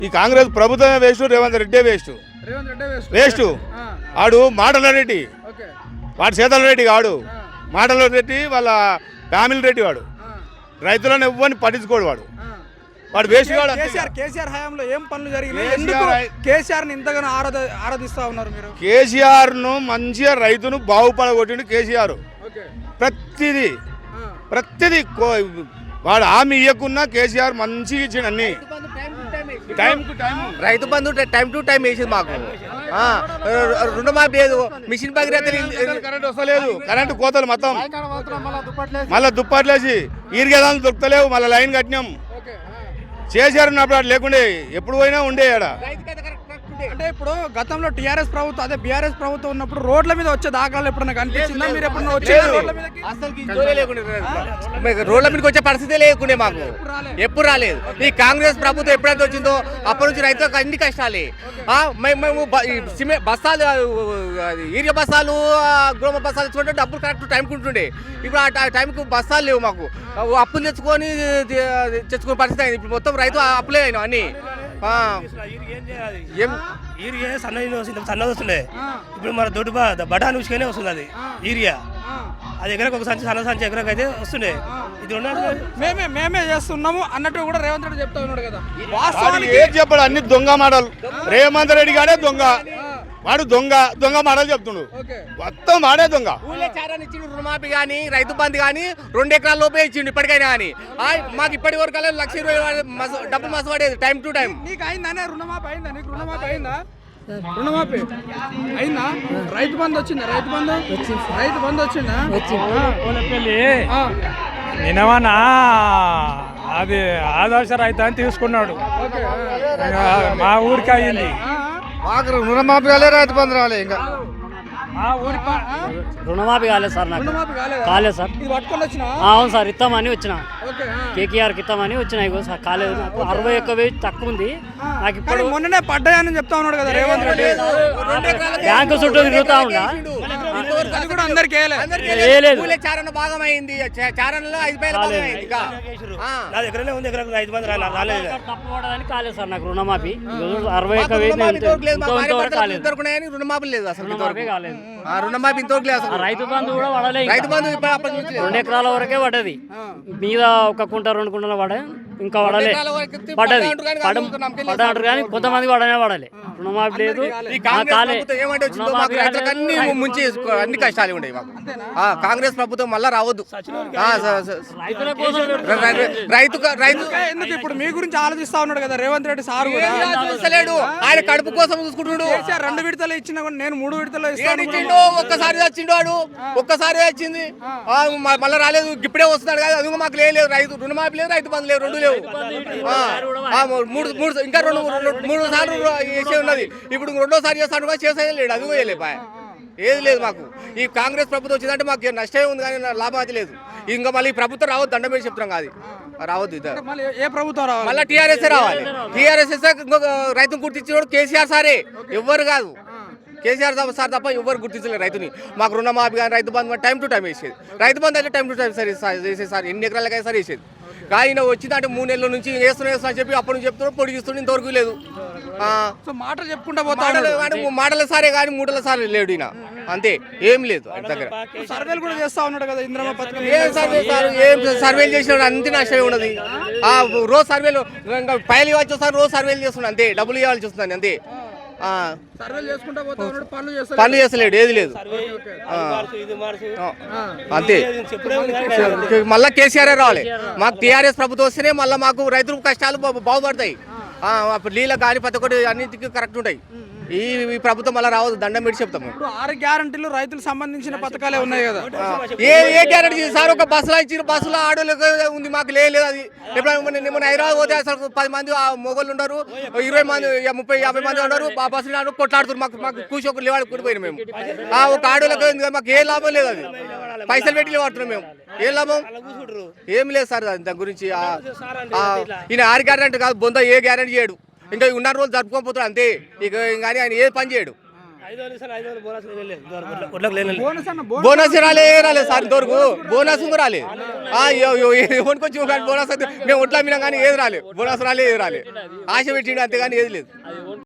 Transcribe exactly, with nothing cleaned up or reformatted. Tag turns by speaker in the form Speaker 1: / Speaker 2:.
Speaker 1: ఈ కాంగ్రెస్ ప్రభుత్వమే waste, Revanth Reddy waste. Waste ఆడు మాటల రెడ్డి, వాడు శీతల రెడ్డి కాడు. మాటల రెడ్డి వాళ్ళ ఫ్యామిలీ రెడ్డి వాడు. రైతులను ఎవ్వరిని పట్టించుకోడు వాడు. వాడు వేస్ట్ కాడు.
Speaker 2: కేసీఆర్ కేసీఆర్ హయాంలో ఏం పనులు జరిగినాయి? ఎందుకు కేసీఆర్ ని ఇంతగానో ఆరాధ ఆరాధిస్తా ఉన్నారు మీరు?
Speaker 1: కేసీఆర్ ను మంచిగా రైతును బాగుపడగొట్టిండు కేసీఆర్. ప్రతిదీ ప్రతిదీ వాడు హామీ ఇవ్వకున్నా కేసీఆర్ మంచిగా ఇచ్చిండు అన్ని. టైం టు టైం
Speaker 3: రైతు బంధు టైం టు టైం వేసింది మాకు. రుణమాఫీ లేదు, మిషన్ భగీరథ
Speaker 1: కరెంట్ వస్తలేదు, కరెంటు కోతలు మొత్తం మళ్ళీ దుప్పట్లేసి ఈరిగేదాలు దొరుకుతలేవు. మళ్ళీ లైన్ కట్టినాం. కేసీఆర్ ఉన్నప్పుడు లేకుండే, ఎప్పుడు పోయినా ఉండే ఆడ.
Speaker 2: అంటే ఇప్పుడు గతంలో టీఆర్ఎస్ ప్రభుత్వం అదే బీఆర్ఎస్ ప్రభుత్వం ఉన్నప్పుడు రోడ్ల మీద వచ్చే దాఖలాలు ఎప్పుడన్నా కనిపించిందా? మీరు ఎప్పుడన్నా వచ్చారు రోడ్ల మీదకి?
Speaker 3: రోడ్ల మీదకి వచ్చే పరిస్థితి లేకుండే మాకు, ఎప్పుడు రాలేదు. ఈ కాంగ్రెస్ ప్రభుత్వం ఎప్పుడైతే వచ్చిందో అప్పటి నుంచి రైతులకు అన్ని కష్టాలే. మేము బస్తాలు, ఈరియా బస్తాలు, గృహ బస్తాలు తెచ్చుకుంటే డబ్బులు కరెక్ట్ టైంకి ఉంటుండే. ఇప్పుడు ఆ టైంకి బస్తాలు లేవు మాకు. అప్పులు తెచ్చుకొని తెచ్చుకునే పరిస్థితి అయింది. ఇప్పుడు మొత్తం రైతు అప్పులే అయినా అన్ని.
Speaker 4: యూరియా సన్న సన్నది వస్తుండే, ఇప్పుడు మన దొడ్డు బఠాన్ ఉసుకనే వస్తుంది అది యూరియా. అది ఎకరకు ఒక సంచి, సన్న సంచి ఎకరకు అయితే వస్తుండే. ఇది
Speaker 2: మేమే మేమే చేస్తున్నాము అన్నట్టు కూడా రేవంత్ రెడ్డి చెప్తా ఉన్నాడు కదా.
Speaker 1: ఏం చెప్పాడు? అన్ని దొంగ మాటలు. రేవంత్ రెడ్డి గానే దొంగ, వాడు దొంగ దొంగ మాటలు చెప్తుండు. మొత్తం వాడే దొంగ.
Speaker 3: ఇచ్చిండు రుణమాఫీ కానీ రైతు బంధు కానీ రెండు ఎకరాల లోపే ఇచ్చిండు ఇప్పటికైనా. కానీ మాకు ఇప్పటి వరకు లక్ష ఇరవై డబ్బులు మస్తు పడేది టైం టు టైం.
Speaker 2: నీకు అయిందా రుణమాఫీ? అయిందా నీకు రుణమాఫీ? అయిందా రుణమాఫీ? అయిందా? రైతు బంధు వచ్చిందా? రైతు బంధు రైతు బంధు వచ్చిందా?
Speaker 5: నిన్నవన్నా అది ఆదర్శ రైతు అని తీసుకున్నాడు. మా ఊరికి అయ్యింది.
Speaker 6: మాకు రుణమాఫీ కాలే, రైతు బంధు రాలే. ఇంకా
Speaker 5: మా ఊరికి
Speaker 7: రుణమాఫీ కాలేదు సార్. నాకు కాలేదు సార్. అవును సార్, ఇస్తామని వచ్చిన కేకేఆర్కి ఇస్తామని వచ్చిన. కాలేదు, నాకు అరవై ఒక్క వెయ్యి తక్కువ ఉంది నాకు. ఇప్పుడు
Speaker 2: మొన్ననే పడ్డాయని చెప్తా ఉన్నాడు కదా రేవంత్ రెడ్డి.
Speaker 7: బ్యాంకు చుట్టూ తిరుగుతా ఉండా.
Speaker 2: అందరికి
Speaker 3: చారణ భాగం అయింది. చారణలో ఐదు వేల భాగం అయింది.
Speaker 7: తప్పబడదని కాలేదు సార్ నాకు రుణమాఫీ. అరవై ఒక్క వెయ్యి
Speaker 3: రుణమాఫీ లేదు అసలు.
Speaker 7: రుణమాఫీ కాలేదు.
Speaker 3: రుణమాఫీ ఇంతవరకు లేదు అసలు.
Speaker 7: రైతు బంధు కూడా పడలేదు.
Speaker 3: రైతు బంధు
Speaker 7: రెండు ఎకరాల వరకే పడ్డది. మీద ఒక కుంట రెండు కుంటలు పడే, ఇంకా పడలే. పడ్డది పడ్డాడు కానీ కొంతమంది పడనే పడలే. రుణమాఫీ లేదు.
Speaker 3: అన్ని ముంచి అన్ని కష్టాలు ఉండేవి మాకు. కాంగ్రెస్ ప్రభుత్వం మళ్ళా రావద్దు. రైతు రైతు
Speaker 2: ఎందుకు ఇప్పుడు మీ గురించి ఆలోచిస్తా ఉన్నాడు కదా రేవంత్ రెడ్డి సార్ కూడా.
Speaker 3: చూస్తలేడు, ఆయన కడుపు కోసం చూసుకుంటున్నాడు.
Speaker 2: రెండు విడతలు ఇచ్చినా కూడా నేను మూడు విడతలు ఇస్తాను.
Speaker 3: ఒక్కసారి వచ్చిండు వాడు, ఒక్కసారి వచ్చింది మళ్ళీ రాలేదు. ఇప్పుడే వస్తున్నాడు కదా. అది మాకు లేదు. రైతు రుణమాఫీ లేదు, రైతు బంధు లేదు, రెండు లేవు. మూడు మూడు ఇంకా రెండు మూడు సార్లు చేసే ఉన్నది. ఇప్పుడు రెండోసారి చేస్తాడు కూడా చేసేది లేడు. అది కూడా లేపా ఏది లేదు మాకు. ఈ కాంగ్రెస్ ప్రభుత్వం వచ్చిందంటే మాకు నష్టమే ఉంది కానీ లాభం అది లేదు. ఇంకా మళ్ళీ ఈ ప్రభుత్వం రావద్దు, దండం మీద చెప్తున్నాం కాదు, రావద్దు. ఇద్దరు
Speaker 2: ఏ ప్రభుత్వం రావాలి?
Speaker 3: మళ్ళీ టీఆర్ఎస్ రావాలి. టీఆర్ఎస్ రైతును గుర్తించిన కేసీఆర్ సారే, ఎవ్వరు కాదు. కేసీఆర్ సార్ తప్ప ఎవరు గుర్తించలేదు రైతుని. మాకు రుణమాఫీ కానీ రైతు బంధు టైం టు టైం వేసేది. రైతు బంధు అయితే టైం టు టైం సరే వేసేది సార్. ఎన్ని ఎకరాలకైనా సరే వేసేది. కానీ వచ్చిందంటే మూడు నెలల నుంచి వేస్తున్నా వేస్తున్నా చెప్పి అప్పటి నుంచి చెప్తున్నాడు, పొడిగిస్తుండే, ఇంతవరకు లేదు.
Speaker 2: మాటలు చెప్పుకుంటా పోతాడు.
Speaker 3: మాటల సారే కానీ మూటల సారే లేడు ఈయన. అంతే, ఏం లేదు ఆయన దగ్గర.
Speaker 2: సర్వేలు కూడా చేస్తా ఉన్నాడు కదా ఇంద్రమ్మ పథకం.
Speaker 3: ఏం సర్వే సార్, ఏం సర్వేలు చేసినాడు? అంతే నష్టమే ఉన్నది. రోజు సర్వేలు ఇంకా పైలు ఇవ్వాల్సి వస్తాను, రోజు సర్వేలు చేస్తున్నాడు. అంతే, డబ్బులు ఇవ్వాల్సి వస్తుంది. అంతే, పనులు చేస్తలేడు, ఏది లేదు. అంతే, మళ్ళా కేసీఆర్ రావాలి. మాకు టీఆర్ఎస్ ప్రభుత్వం వస్తేనే మళ్ళీ మాకు రైతులకు కష్టాలు బాగుపడతాయి. నీళ్ళ కానీ ప్రతి ఒక్కటి అన్నింటికి కరెక్ట్ ఉంటాయి. ఈ ప్రభుత్వం మళ్ళీ రావద్దు, దండం పెట్టి చెప్తాము.
Speaker 2: ఆరు గ్యారంటీలు రైతులకు సంబంధించిన పథకాలే ఉన్నాయి కదా.
Speaker 3: ఏ ఏ గ్యారంటీ సార్? ఒక బస్సులో ఇచ్చిన బస్సులో ఆడోళ్ళకి ఉంది, మాకు లేదు. అది ఎప్పుడైనా హైదరాబాద్ పోతే అసలు పది మంది మొగోళ్ళు ఉన్నారు, ఇరవై మంది ముప్పై యాభై మంది ఉన్నారు. ఆ బస్సులు కొట్లాడుతున్నారు. మాకు మాకు కూర్చో ఒక లేవాడు కూడిపోయినా మేము. ఒక ఆడోళ్ళకి మాకు ఏ లాభం లేదు. అది పైసలు పెట్టి లేవాడుతున్నాం మేము. ఏం లాభం? ఏం లేదు సార్ దాని గురించి. ఈయన ఆరు గ్యారంటీ కాదు, బొంద ఏ గ్యారంటీ చేయడు. ఇంకా ఉన్న రోజులు జరుపుకోకపోతాడు అంతే. ఇక కానీ ఆయన ఏ పని చేయడు.
Speaker 4: ఐదు వందలు ఇస్తాను, ఐదు వందలు బోనస్ లేదు, లేదు. ఇంతవరకు ఒడ్లకు లేనే లేదు.
Speaker 2: బోనస్ అన్న బోనస్
Speaker 3: బోనస్ రాలే రాలేదు సార్ ఇంతవరకు బోనస్ కూడా రాలేదు ఎవరికి వచ్చి బోనస్ అయితే మేము ఒట్లా అమ్మినాం కానీ ఏది రాలేదు బోనస్ రాలే ఏది రాలేదు ఆశ పెట్టిండు అంతేగాని ఏది లేదు